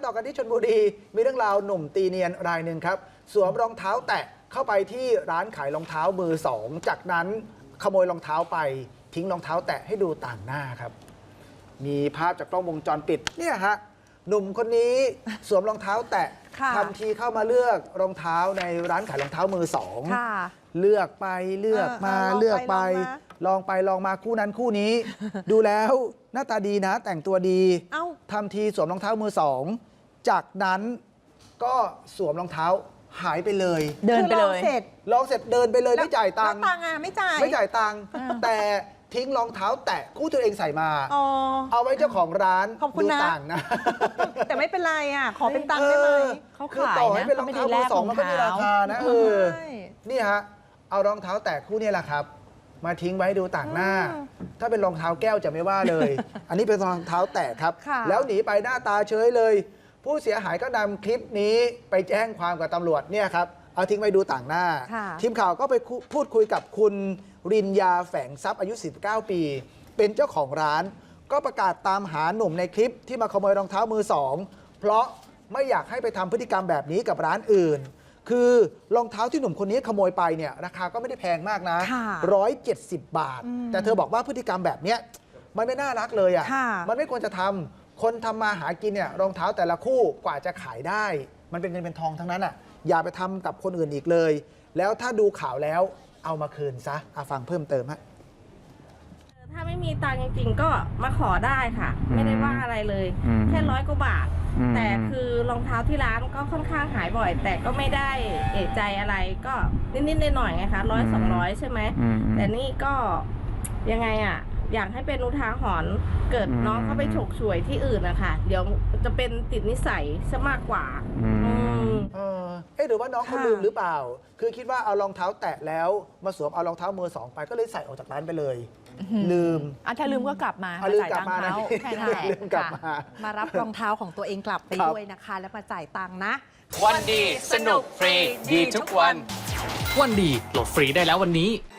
ต่อกันที่ชลบุรีมีเรื่องราวหนุ่มตีเนียนรายหนึ่งครับสวมรองเท้าแตะเข้าไปที่ร้านขายรองเท้ามือสองจากนั้นขโมยรองเท้าไปทิ้งรองเท้าแตะให้ดูต่างหน้าครับมีภาพจากกล้องวงจรปิดเนี่ยฮะหนุ่มคนนี้สวมรองเท้าแตะทำทีเข้ามาเลือกรองเท้าในร้านขายรองเท้ามือสองเลือกไปเลือกมาเลือกไปลองไปลองมาคู่นั้นคู่นี้ ดูแล้วหน้าตาดีนะแต่งตัวดีทำทีสวมรองเท้ามือสองจากนั้นก็สวมรองเท้าหายไปเลยเดินไปเลยลองเสร็จเดินไปเลยไม่จ่ายตังค์ไม่จ่ายตังค์แต่ทิ้งรองเท้าแตะคู่ตัวเองใส่มาเอาไว้เจ้าของร้านดูต่างนะแต่ไม่เป็นไรอ่ะขอเป็นตังค์ได้ไหมเขาขายนะเป็นรองเท้ามือสองมันก็มีราคานะนี่ฮะเอารองเท้าแตะคู่นี้แหละครับมาทิ้งไว้ดูต่างหน้าถ้าเป็นรองเท้าแก้วจะไม่ว่าเลย อันนี้เป็นรองเท้าแตะครับแล้วหนีไปหน้าตาเฉยเลยผู้เสียหายก็นำคลิปนี้ไปแจ้งความกับตำรวจเนี่ยครับเอาทิ้งไว้ดูต่างหน้าทีมข่าวก็ไปพูดคุยกับคุณรินยาแฝงทรัพย์อายุ49ปีเป็นเจ้าของร้านก็ประกาศตามหาหนุ่มในคลิปที่มาขโมยรองเท้ามือสองเพราะไม่อยากให้ไปทำพฤติกรรมแบบนี้กับร้านอื่นคือรองเท้าที่หนุ่มคนนี้ขโมยไปเนี่ยราคาก็ไม่ได้แพงมากนะ170 บาทแต่เธอบอกว่าพฤติกรรมแบบนี้มันไม่น่ารักเลยอ่ะมันไม่ควรจะทำคนทำมาหากินเนี่ยรองเท้าแต่ละคู่กว่าจะขายได้มันเป็นเงินเป็นทองทั้งนั้นอ่ะอย่าไปทำกับคนอื่นอีกเลยแล้วถ้าดูข่าวแล้วเอามาคืนซะฟังเพิ่มเติมฮะถ้าไม่มีตังค์จริงๆก็มาขอได้ค่ะไม่ได้ว่าอะไรเลยแค่100 กว่าบาทแต่คือรองเท้าที่ร้านก็ค่อนข้างหายบ่อยแต่ก็ไม่ได้เอะใจอะไรก็นิดๆหน่อยๆไงคะ100-200ใช่ไหมแต่นี่ก็ยังไงอ่ะอยากให้เป็นอุทาหรณ์เกิดน้องเขาไปฉกฉวยที่อื่นนะคะเดี๋ยวจะเป็นติดนิสัยซะมากกว่าหรือว่าน้องเขาลืมหรือเปล่าคือคิดว่าเอารองเท้าแตะแล้วมาสวมเอารองเท้ามือสองไปก็เลยใส่ออกจากร้านไปเลยลืมถ้าลืมก็กลับมาจ่ายตังค์เขาแค่นั้นลืมกลับมารับรองเท้าของตัวเองกลับไปด้วยนะคะแล้วมาจ่ายตังค์นะวันดีสนุกฟรีดีทุกวันวันดีโหลดฟรีได้แล้ววันนี้